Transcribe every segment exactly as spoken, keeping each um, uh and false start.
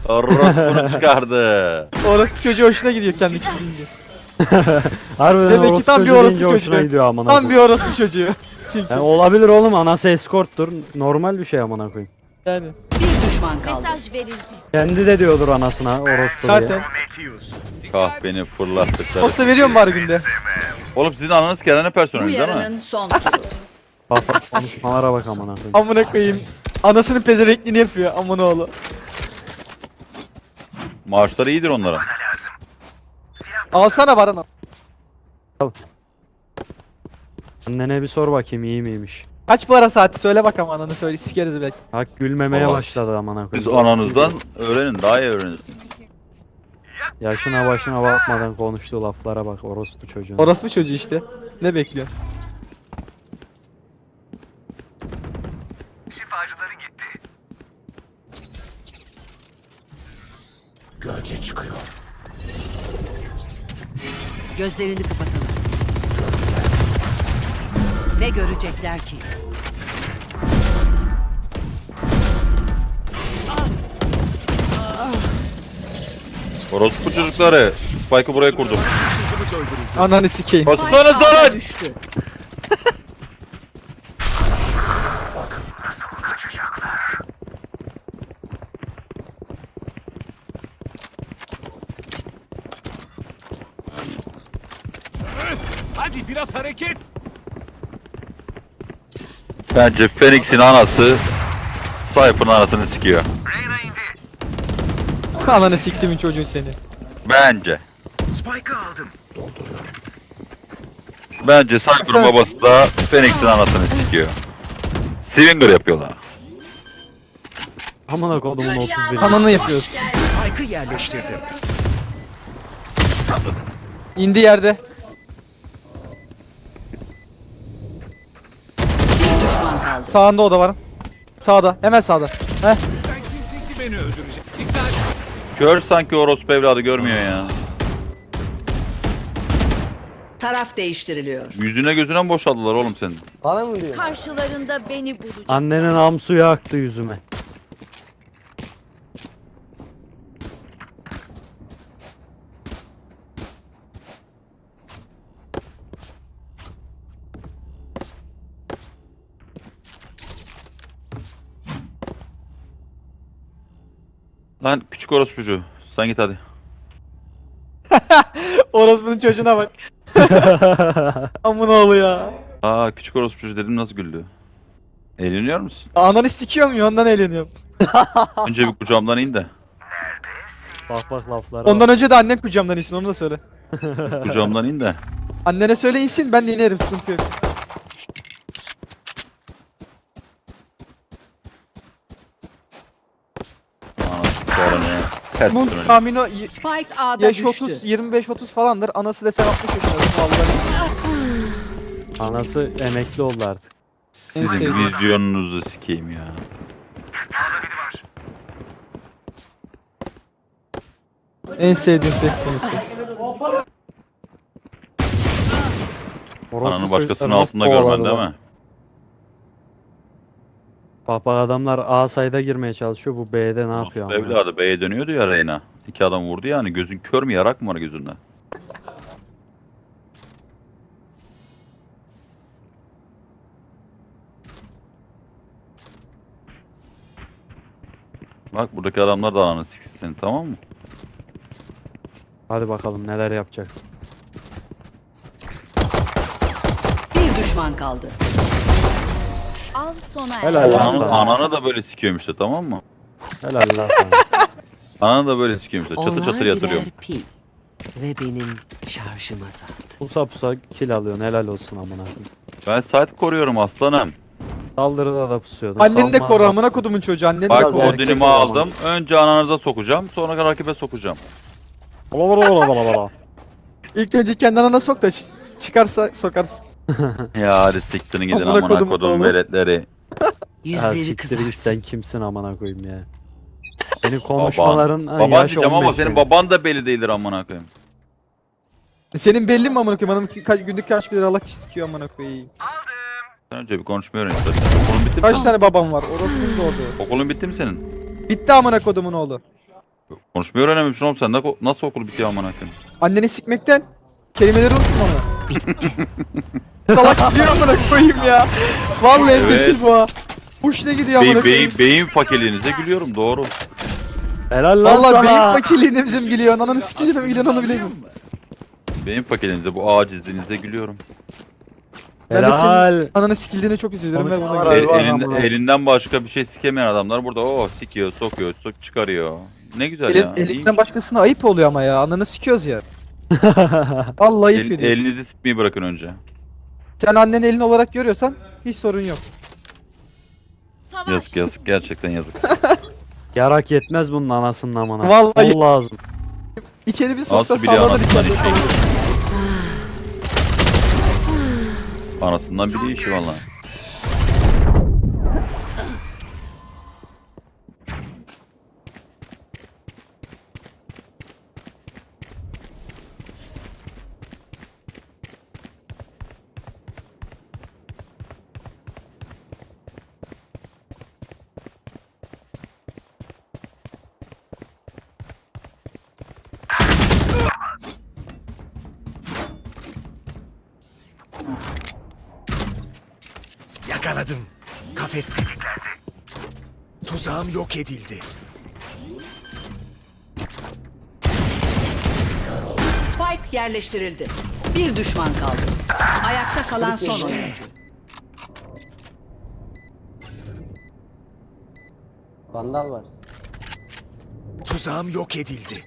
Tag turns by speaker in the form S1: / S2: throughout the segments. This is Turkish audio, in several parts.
S1: Orospu'nu çıkardı.
S2: Orospu çocuğu hoşuna gidiyor kendi kendince.
S3: Harbiden
S2: Demek ki
S3: orospu
S2: tam bir
S3: çocuğu
S2: orospu
S3: deyince hoşuna
S2: çocuğu.
S3: gidiyor amına
S2: Tam bir
S3: koyayım.
S2: orospu çocuğu. Çünkü
S3: Yani olabilir oğlum, anası eskorttur. Normal bir şey amına koyayım.
S2: yani.
S4: Bir düşman kaldı.
S5: Mesaj verildi.
S3: Kendi de diyordur anasına orospu diye.
S2: Zaten.
S1: Kahveni fırlattıkları.
S2: Posta veriyorum bari günde.
S1: Oğlum sizin ananız Kerane
S4: Bu
S1: personeli değil mi?
S4: yarının son turu.
S3: Bak bak konuşmalara bak amına koyayım.
S2: Amına koyayım. Anasının pezevekliğini yapıyor amına oğlu.
S1: Maaşları iyidir onların.
S2: Alsana Baran.
S3: Annene bir sor bakayım iyi miymiş.
S2: Kaç para saati söyle bakalım ananı söyle sikeriz belki.
S3: Bak gülmemeye
S1: Allah.
S3: başladı amına
S1: Siz
S3: koyayım.
S1: ananızdan öğrenin, daha iyi öğrenirsiniz.
S3: Yaşına başına bakmadan konuştuğu laflara bak orospu çocuğun.
S2: Orospu çocuğu işte. Ne bekliyor?
S6: Şifacıları gitti. Gölge çıkıyor.
S4: Gözlerini kapatalım. Ne görecekler ki?
S1: Orospu çocukları. Spike'ı buraya kurdum.
S6: Taşıyıcımız öldürüldü.
S2: Ananı sikeyim.
S1: Bassanız lan!
S4: Düştü.
S6: Hadi biraz hareket.
S1: Bence Phoenix'in anası Cypher'ın anasını sikiyor.
S6: Reyna indi.
S2: Ananı siktimin çocuğu seni.
S1: Bence.
S6: Spike'ı aldım.
S1: Bence Cypher'ın babası da Phoenix'in anasını sikiyor. Swinger yapıyorlar.
S3: Amına kodumun otuz bir.
S2: Ananı yapıyoruz.
S6: Spike'ı yerleştirdim.
S2: İndi yerde.
S4: Bir düşman kaldı.
S2: Sağında o da var. Sağda. Hemen sağda. Heh.
S6: Sen kimsin ki beni öldürecek? Dikkat.
S1: Kör sanki orospu evladı görmüyor ya.
S4: Taraf değiştiriliyor.
S1: Yüzüne gözüne mi boşaldılar oğlum senin?
S5: Karşılarında beni bulacak.
S3: Annenin am suyu aktı yüzüme.
S1: Lan küçük orospucu. Sen git hadi.
S2: Orospunun çocuğuna bak. Amına oğlu ya.
S1: Aa küçük orospucu dedim nasıl güldü. Eğleniyor musun?
S2: Ananı sikiyorum ya ondan eğleniyorum.
S1: Önce bir kucağımdan in de.
S3: Bak bak laflara bak.
S2: Ondan önce de annem kucağımdan insin onu da söyle.
S1: Kucağımdan in de.
S2: Annene söyle insin ben de inerim sıkıntı yok.
S1: Anası sonra ne? Ters
S2: Bunun
S1: dönüyor.
S2: tahmini o y-
S4: Spike A'da
S2: yaş
S4: düştü.
S2: otuz yirmi beş otuz falandır. Anası desen altmış yaşında vallahi.
S3: Anası emekli oldu artık.
S2: En
S1: Sizin
S2: sevdiğim.
S1: vizyonunuzu sikeyim ya.
S2: En sevdiğim seks konusu.
S3: Orospu
S1: Ananın başkasının
S3: çocukları
S1: altında
S3: nasıl
S1: görmen
S3: kovaladı
S1: değil
S3: lan?
S1: mi?
S3: Bak bak adamlar A sayda girmeye çalışıyor, bu B'de ne yapıyor
S1: Orospu
S3: ama?
S1: evladı B'ye dönüyordu ya Reyna. İki adam vurdu yani. Gözün kör mü yarak mı var gözünde? Bak buradaki adamlar da ananı siksin seni, tamam mı?
S3: Hadi bakalım neler yapacaksın.
S4: Bir düşman kaldı.
S5: Av sona erdi.
S3: Helal lan
S1: Ananı,
S3: sana.
S1: ananı da böyle sikiyorum işte, tamam mı?
S3: Helal lan sana.
S1: Ananı da böyle sikiyorum işte. Çatır çatır yatırıyorum.
S4: birer pil ve benim şarjım azaldı.
S3: Pusa pusa kill alıyorsun, helal olsun amına koyayım.
S1: Ben saat koruyorum aslanım.
S3: Saldırıda da pusuyordun.
S2: Anneni de
S3: savunma-
S2: koru amına kodumun çocuğu. Anneni de
S1: Bak
S2: koru.
S3: erkek
S1: Odin'imi
S3: o zaman.
S1: aldım. Önce ananıza sokacağım. Sonra rakibe sokacağım.
S3: Ola ola ola ola ola.
S2: İlk önce kendi anana sok da ç- çıkarsa sokarsın.
S1: Ya hadi siktirin gidin
S2: Amına
S1: amına
S2: kodum
S1: kodum
S2: oğlum.
S1: veletleri.
S3: Ya
S4: Yüzleri
S3: siktir git,
S4: kızarsın.
S3: sen kimsin amına koyayım ya. Senin konuşmaların
S1: Baban.
S3: ha,
S1: Baban
S3: yaş
S1: diyeceğim ama
S3: on beş
S1: senin
S3: senin.
S1: baban da belli değildir amına koyayım.
S2: E Senin belli mi amına koyayım? Ananın ki- ka- günlük kaç bir lira Allah sikiyor amına koyayım.
S1: Sen önce bir konuşmayı öğren istersen. Okulun bitti mi?
S2: Kaç tane babam var? Orospunun da oldu.
S1: Okulun bitti mi senin?
S2: Bitti amına kodumun oğlu.
S1: Konuşmayı öğrenememişsin oğlum sen. Na- Nasıl okul bitiyor amına koyayım?
S2: Anneni sikmekten kelimeleri unutma ama. Salak gidiyor amına koyayım ya. Vallahi
S1: Evet.
S2: embesil bu ha. Hoşuna gidiyor amına
S1: Beyin,
S2: koyayım.
S1: beyin, beyin fakirliğinize gülüyorum doğru.
S3: Helal lan
S2: Valla
S3: sana.
S2: beyin fakirliğine bizim gülüyor. Ananı sikiliğine mi gülüyor onu bilemiyoruz.
S1: Beyin fakirliğinize bu acizliğinize gülüyorum.
S2: Ben de
S3: Helal.
S2: senin ananı sikildiğine çok üzülüyorum ve buna
S3: Konuşmalar
S2: gülüyorum.
S3: var
S1: El, elinde-
S3: amına.
S1: elinden başka bir şey sikemeyen adamlar burada o sikiyor, sokuyor, sok çıkarıyor. Ne güzel
S2: Elin,
S1: ya.
S2: elinden başkasına ayıp oluyor ama ya. Ananı sikiyoruz ya. Vallahi ayıp
S1: El,
S2: ediyorsun.
S1: elinizi sikmeyi bırakın önce.
S2: Sen anneni elin olarak görüyorsan hiç sorun yok.
S5: Savaş.
S1: Yazık yazık gerçekten yazık.
S3: Yarak yetmez bunun anasının amına.
S2: Vallahi-
S3: Bol lazım.
S2: İçeri bir soksa
S1: Nasıl biliyor
S2: sallanır
S1: anasından
S2: içeride
S1: işi?
S2: sallanır.
S1: Anasından biri işi valla.
S6: Yakaladım. Kafes tetiklendi. Tuzağım yok edildi.
S4: Spike yerleştirildi. Bir düşman kaldı. Ayakta kalan son oyuncu.
S7: Vandal var.
S6: Tuzağım yok edildi.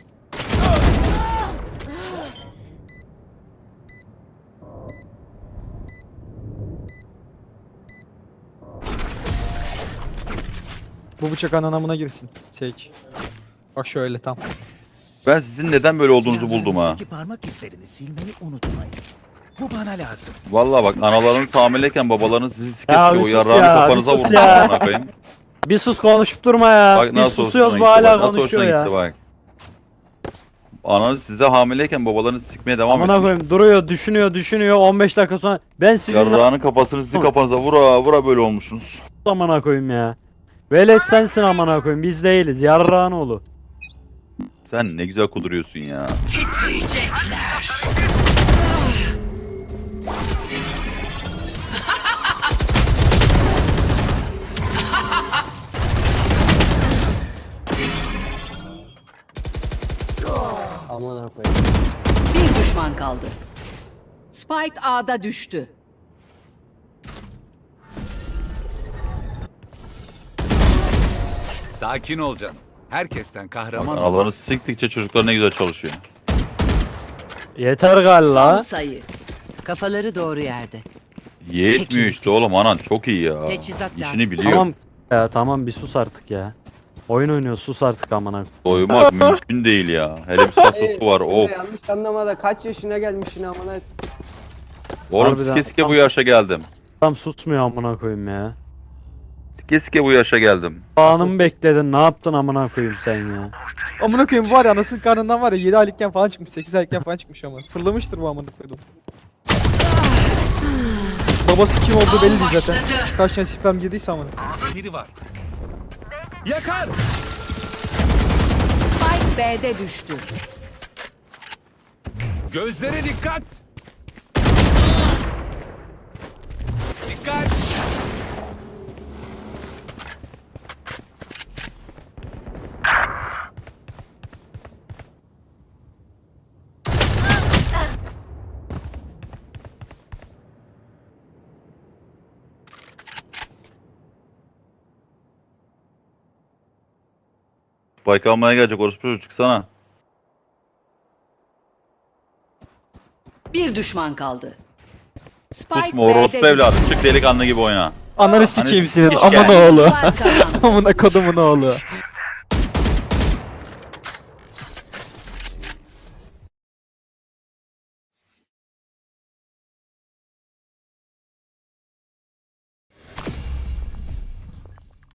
S2: Bu bıçak ananamına girsin. Seç. Bak şöyle tam.
S1: Ben sizin neden böyle olduğunuzu buldum ha.
S6: Silahlarınızdaki parmak izlerini silmeyi unutmayın. Bu bana lazım.
S1: Valla bak analarınız hamileyken babalarınız sizi
S3: Ya bir
S1: sikesiyor.
S3: sus
S1: Yarrağını
S3: ya,
S1: kafanıza
S3: bir sus
S1: vurun.
S3: ya.
S1: amına koyayım.
S3: Bir sus konuşup durma ya.
S1: Bak
S3: Biz
S1: nasıl
S3: susuyoruz bu
S1: hoşuna gitti
S3: hala
S1: bak, nasıl
S3: konuşuyor
S1: hoşuna
S3: ya.
S1: gitti bak. Ananız size hamileyken babalarınız sikmeye devam
S3: Amına
S1: etmiş.
S3: koyayım duruyor düşünüyor düşünüyor on beş dakika sonra ben sizin
S1: Yarrağının kafasını sizin kafanıza vura vura böyle olmuşsunuz.
S3: amına koyayım ya. Velet sensin amına koyayım biz değiliz yarrağın oğlu.
S1: Sen ne güzel kuduruyorsun ya.
S4: Titriyecekler.
S7: Aman koyayım.
S4: Bir düşman kaldı. Spike A'da düştü.
S6: Sakin ol canım. Herkesten
S1: Bak,
S6: kahraman.
S1: analarınız siktikçe çocuklar ne güzel çalışıyor.
S3: Yeter
S4: Son
S3: galla.
S4: sayı. Kafaları doğru yerde.
S1: Yetmiyor işte oğlum anan çok iyi ya.
S4: Teçhizat lazım.
S1: İşini biliyor.
S3: Tamam ya tamam bir sus artık ya. Oyun oynuyor sus artık amına.
S1: Doymak mümkün değil ya. Hele bir sasosu var.
S7: Öyle
S1: Of.
S7: yanlış anlamada kaç yaşına gelmişsin amına.
S1: Oğlum
S3: Harbiden.
S1: sike sike bu yaşa geldim.
S3: Tam susmuyor amına koyayım ya.
S1: Sike sike bu yaşa geldim.
S3: Anımı bekledin ne yaptın amına koyayım sen ya.
S2: Amına koyayım var ya anasının karnından var ya yedi aylıkken falan çıkmış sekiz aylıkken falan çıkmış ama. Fırlamıştır bu amına koydum. Babası kim olduğu belli değil zaten. Kaç tane sperm girdiyse amına.
S6: Biri var. Yakar.
S4: Spike B'de düştü.
S6: Gözlere dikkat. Dikkat.
S1: Spike almaya gelecek orospu çocuk çıksana.
S4: Bir düşman kaldı. Spike
S1: Susma orospu
S4: B'de
S1: evladı.
S4: düştü.
S1: Çık delikanlı gibi oyna.
S2: Ananı sikeyim senin
S1: Hani
S2: amına oğlu.
S4: Spike kazandı.
S2: Amına kodumun oğlu.